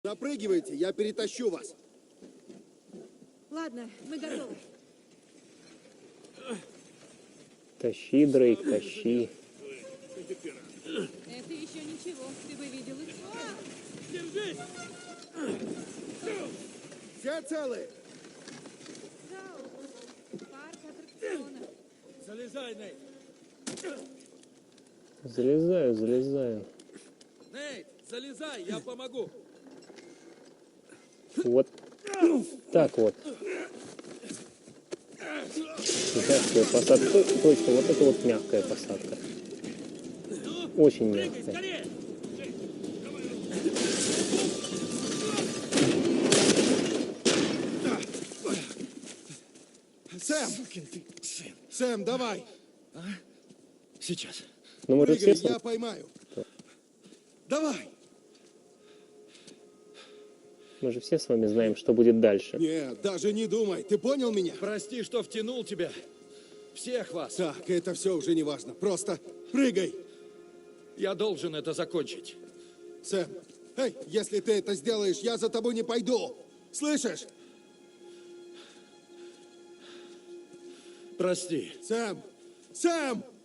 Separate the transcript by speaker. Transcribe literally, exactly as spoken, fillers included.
Speaker 1: Запрыгивайте, я перетащу вас.
Speaker 2: Ладно, мы готовы.
Speaker 3: Тащи, Дрейк, тащи.
Speaker 2: Это еще ничего, ты бы видел их.
Speaker 1: Держись! Все целы?
Speaker 2: Парк аттракционов.
Speaker 4: Залезай, Нейт.
Speaker 3: Залезаю, залезаю.
Speaker 4: Нейт, залезай, я помогу.
Speaker 3: Вот так вот. Мягкая посадка. Точно, вот это вот мягкая посадка. Очень мягкая.
Speaker 4: Скорее!
Speaker 1: Сэм! Сэм, давай!
Speaker 4: А? Сейчас.
Speaker 3: Ну мы же
Speaker 1: Прыгай,
Speaker 3: все...
Speaker 1: я поймаю. Давай!
Speaker 3: Мы же все с вами знаем, что будет дальше.
Speaker 1: Нет, даже не думай. Ты понял меня?
Speaker 4: Прости, что втянул тебя. Всех вас.
Speaker 1: Так, это все уже не важно. Просто прыгай.
Speaker 4: Я должен это закончить.
Speaker 1: Сэм, эй, если ты это сделаешь, я за тобой не пойду. Слышишь?
Speaker 4: Прости.
Speaker 1: Сэм! Сэм!